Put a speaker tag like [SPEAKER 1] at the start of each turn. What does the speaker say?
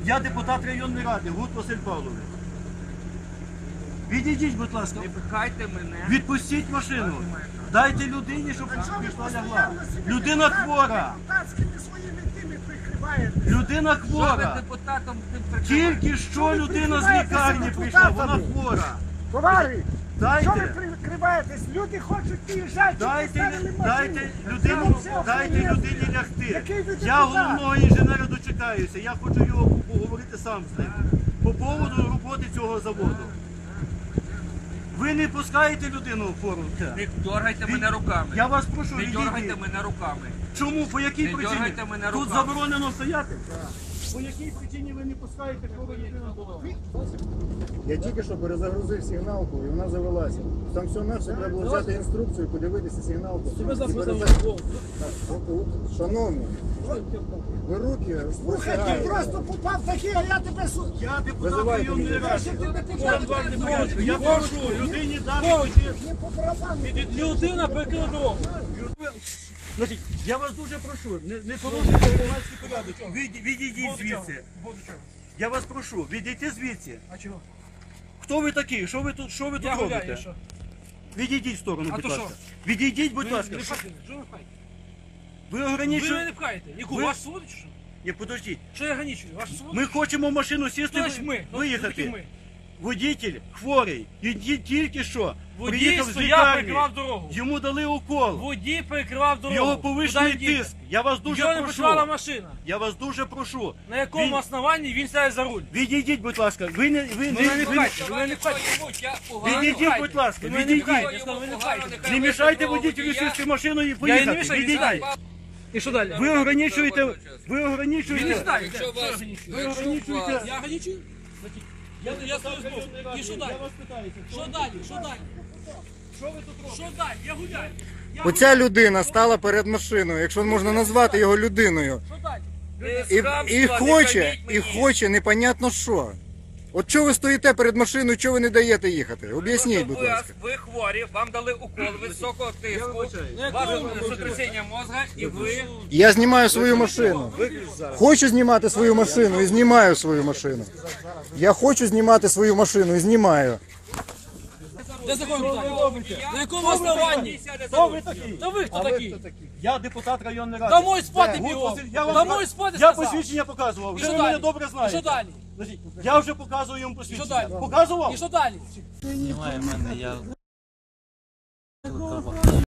[SPEAKER 1] Я депутат районної ради, Гуд Василь Павлович. Відійдіть, будь ласка.
[SPEAKER 2] Не пихайте мене.
[SPEAKER 1] Відпустіть машину. Дайте людині, щоб пішла лягла. Людина хвора. Людина
[SPEAKER 2] Що ви
[SPEAKER 1] хвора.
[SPEAKER 2] депутатом тим прикриваєте?
[SPEAKER 1] Тільки що людина з лікарні прийшла, вона хвора.
[SPEAKER 3] Товариш, що ви
[SPEAKER 1] Дайте.
[SPEAKER 3] прикриваєтесь? Люди хочуть виїжджати.
[SPEAKER 1] Дайте людині лягти.
[SPEAKER 3] Який ви
[SPEAKER 1] Я
[SPEAKER 3] депутат?
[SPEAKER 1] головного інженера дочекаюся. Я хочу його поговорити сам з ним. По поводу роботи цього заводу. Ви не пускаєте людину в форум?
[SPEAKER 2] Не дергайте мене руками.
[SPEAKER 1] Я вас прошу,
[SPEAKER 2] Не дергайте
[SPEAKER 1] відійдіть.
[SPEAKER 2] мене руками.
[SPEAKER 1] Чому? По якій
[SPEAKER 2] Не
[SPEAKER 1] причині?
[SPEAKER 2] дергайте мене
[SPEAKER 1] Тут
[SPEAKER 2] руками.
[SPEAKER 1] заборонено стояти? По якій причині ви не пускаєте хвору людину додому?
[SPEAKER 4] Я тільки що перезагрузив сигналку і вона завелася. Там все наше, треба було взяти інструкцію, подивитися сигналку. Шановні, ви руки
[SPEAKER 3] Слухай, ти просто попав такий, а я тебе
[SPEAKER 1] Я депутат
[SPEAKER 4] Визивайте
[SPEAKER 1] районної
[SPEAKER 4] мене.
[SPEAKER 1] ради. Я прошу, людині дати.
[SPEAKER 3] не по барабану.
[SPEAKER 1] Людина перекинула дорогу. Значить, я вас дуже прошу, не порушуйте громадський порядок. Відійдіть звідси. Я вас прошу, відійдіть звідси.
[SPEAKER 5] А чого?
[SPEAKER 1] Хто ви такі? Що ви тут
[SPEAKER 5] Я гуляю,
[SPEAKER 1] робите?
[SPEAKER 5] що?
[SPEAKER 1] Відійдіть в сторону,
[SPEAKER 5] А
[SPEAKER 1] будь
[SPEAKER 5] то
[SPEAKER 1] ласка.
[SPEAKER 5] що?
[SPEAKER 1] Відійдіть, будь
[SPEAKER 5] Ви
[SPEAKER 1] ласка.
[SPEAKER 5] не пхайте, що ви пхаєте?
[SPEAKER 1] Ви
[SPEAKER 5] Ви мене
[SPEAKER 1] ограничуєте.
[SPEAKER 5] не пхаєте. Яку,
[SPEAKER 1] Ви-
[SPEAKER 5] вашу свободу чи що?
[SPEAKER 1] Ні, подождіть.
[SPEAKER 5] Що я ограничую? Вашу свободу?
[SPEAKER 1] Ми хочемо в машину сісти,
[SPEAKER 5] Хто ж ми? Хто такі
[SPEAKER 1] виїхати.
[SPEAKER 5] ми?
[SPEAKER 1] Водитель хворий. І тільки що
[SPEAKER 5] Водій
[SPEAKER 1] приїхав з
[SPEAKER 5] стояв,
[SPEAKER 1] лікарні.
[SPEAKER 5] перекривав дорогу.
[SPEAKER 1] Йому дали укол.
[SPEAKER 5] Водій перекривав дорогу.
[SPEAKER 1] Його повищений
[SPEAKER 5] Куди він
[SPEAKER 1] тиск.
[SPEAKER 5] дівся?
[SPEAKER 1] Я вас дуже
[SPEAKER 5] Його не працювала
[SPEAKER 1] прошу.
[SPEAKER 5] машина.
[SPEAKER 1] Я вас дуже прошу.
[SPEAKER 5] На якому
[SPEAKER 1] Він-
[SPEAKER 5] основанні він сяде за руль?
[SPEAKER 1] Відійдіть, будь ласка. Ви не
[SPEAKER 5] пхайте, ви мене не пхайте.
[SPEAKER 1] відійдіть, будь ласка.
[SPEAKER 5] Ви мене не
[SPEAKER 1] Відійдіть.
[SPEAKER 5] пхайте, я сказав, ви не пхайте.
[SPEAKER 1] Не мішайте водителю сісти в машину і поїхати.
[SPEAKER 5] не мішаю,
[SPEAKER 1] Відійдіть.
[SPEAKER 5] І що далі?
[SPEAKER 1] Ви ограничуєте. Ви
[SPEAKER 5] Він не
[SPEAKER 1] ограничуєте.
[SPEAKER 5] знає,
[SPEAKER 2] Якщо
[SPEAKER 5] що
[SPEAKER 2] вас-
[SPEAKER 5] я ограничую.
[SPEAKER 1] Ви ограничуєте.
[SPEAKER 5] Я ограничую? Я стою збоку. І що далі? Що далі? Що далі? Що ви тут робите? Що далі? Я гуляю.
[SPEAKER 4] Оця людина стала перед машиною, якщо можна назвати його людиною.
[SPEAKER 5] Що далі?
[SPEAKER 4] І хоче непонятно що. От чого ви стоїте перед машиною, чого ви не даєте їхати? Об'ясніть, будь ласка.
[SPEAKER 2] Ви хворі, вам дали укол високого тиску, ваше сотрясіння мозга і ви...
[SPEAKER 4] Я знімаю свою машину. Хочу знімати свою машину і знімаю свою машину. Я хочу знімати свою машину і знімаю.
[SPEAKER 5] Де закон питання? На якому основанні?
[SPEAKER 1] Хто ви такий?
[SPEAKER 5] Та ви хто такі?
[SPEAKER 1] Я депутат районної ради.
[SPEAKER 5] Домой спати
[SPEAKER 1] Гуд
[SPEAKER 5] бігом.
[SPEAKER 1] Василь, я вам-
[SPEAKER 5] Домой спати
[SPEAKER 1] Я
[SPEAKER 5] сказав.
[SPEAKER 1] посвідчення показував.
[SPEAKER 5] І
[SPEAKER 1] Вже
[SPEAKER 5] що
[SPEAKER 1] ви мене
[SPEAKER 5] далі?
[SPEAKER 1] добре
[SPEAKER 5] І
[SPEAKER 1] знаєте.
[SPEAKER 5] що далі?
[SPEAKER 1] Значить, я вже показую йому
[SPEAKER 5] І що
[SPEAKER 1] посвідчення.
[SPEAKER 5] далі?
[SPEAKER 1] Показував?
[SPEAKER 5] І що далі?
[SPEAKER 6] Немає в мене, я